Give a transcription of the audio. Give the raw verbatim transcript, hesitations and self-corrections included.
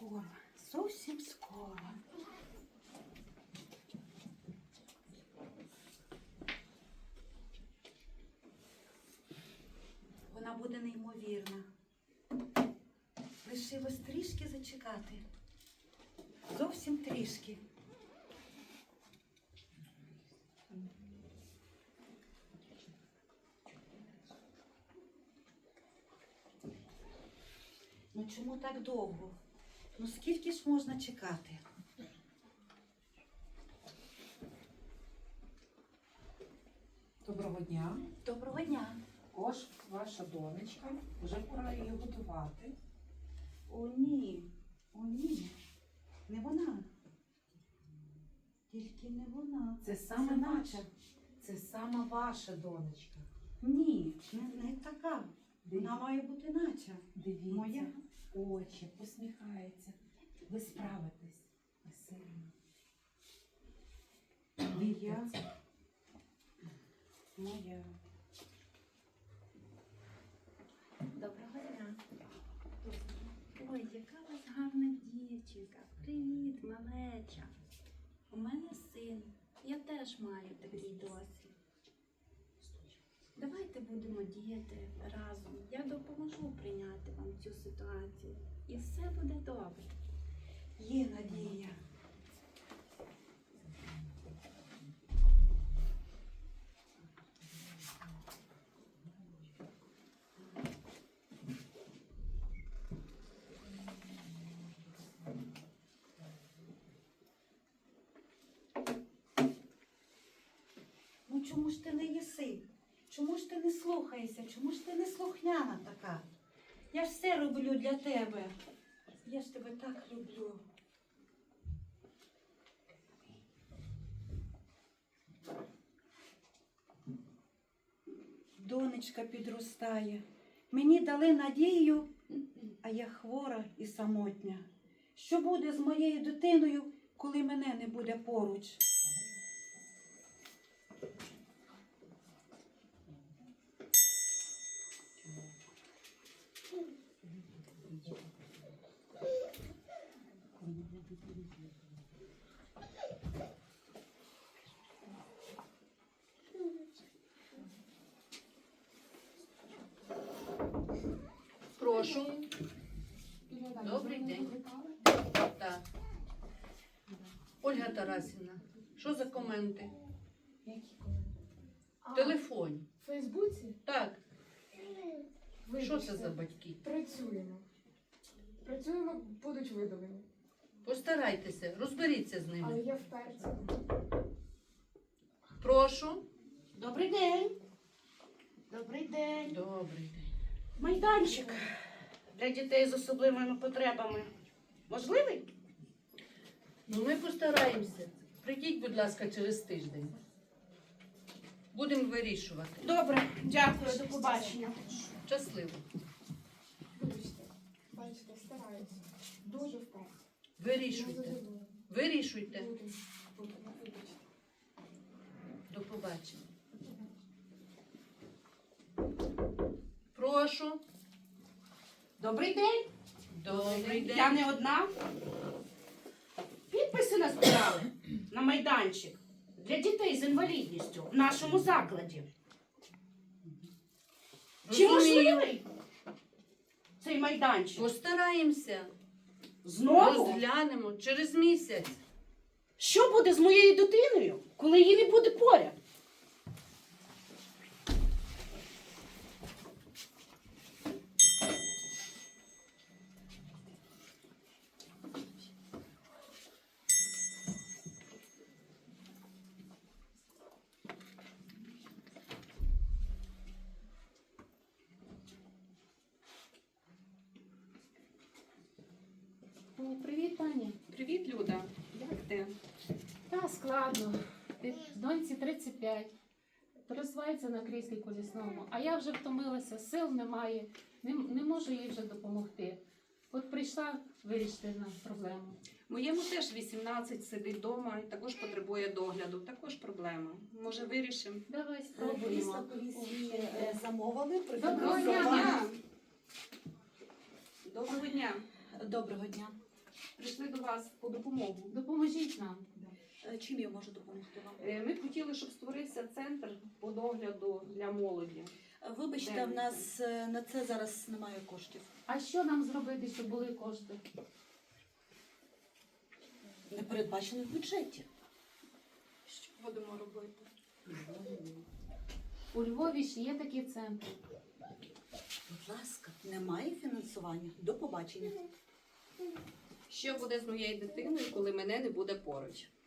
скоро, зовсім скоро. Вона буде неймовірна. Лишилось трішки зачекати. Зовсім трішки. Ну чому так довго? Ну скільки ж можна чекати? Доброго дня. Доброго дня. Ось ваша донечка. Вже пора її готувати. О, ні. О, ні. Не вона. Тільки не вона. Це саме Це наша. наша. Це саме ваша донечка. Ні, не, не така. Дивіться. Вона має бути нача. Дивіться. Моя. Очі, посміхається. Ви справитесь. Ви сильно. Моя. Моя. Доброго дня. Ой, яка у вас гарна дівчинка. Привіт, малеча. У мене син. Я теж маю такий досвід. Давайте будемо діяти разом. Я допоможу прийняти вам цю ситуацію. І все буде добре. Є надія. Ну чому ж ти не їси? Чому ж ти не слухаєшся? Чому ж ти не слухняна така? Я ж все роблю для тебе. Я ж тебе так люблю. Донечка підростає. Мені дали надію, а я хвора і самотня. Що буде з моєю дитиною, коли мене не буде поруч? Прошу. Добрий день. Так. Ольга Тарасівна, що за коменти? Які коменти? В телефоні. В Фейсбуці? Так. Вибачте. Що це за батьки? Працюємо. Працюємо, будуть видалені. Постарайтеся, розберіться з Але ними. я вперся. Прошу. Добрий день. Добрий день. Добрий день. Майданчик для дітей з особливими потребами. Можливий? Ну, ми постараємося. Прийдіть, будь ласка, через тиждень. Будемо вирішувати. Добре, дякую, до побачення. Щасливо. Вибачте. Бачите, стараюся. Дуже вперся. Вирішуйте. Вирішуйте. Буду. Буду. Вибачте. До побачення. Прошу. Добрий день. Добрий день. Я не одна. Підписи назбирали на майданчик для дітей з інвалідністю в нашому закладі. Чи Розумію. можливий цей майданчик? Постараємося. Знову? Розглянемо через місяць. Що буде з моєю дитиною, коли її не буде поряд? О, привіт, пані. Привіт, Люда. Як ти? Та складно. Ти- Доньці тридцять п'ять. Пересувається на кріслі колісному. А я вже втомилася, сил немає, не, не можу їй вже допомогти. От прийшла вирішити на проблему. Моєму теж вісімнадцять, сидить вдома і також потребує догляду. Також проблема. Може, вирішимо? Давай спробуємо. Замовили? Доброго Доброго дня. дня. Доброго дня. Доброго дня. прийшли до вас по допомогу. Допоможіть нам. Е, Чим я можу допомогти вам? Е, Ми б хотіли, щоб створився центр по догляду для молоді. Е, Вибачте, Де в нас е, на це зараз немає коштів. А що нам зробити, щоб були кошти? Не передбачено в бюджеті. Що будемо робити? У Львові ж є такі центри. Будь ласка, немає фінансування. До побачення. Що буде з моєю дитиною, коли мене не буде поруч?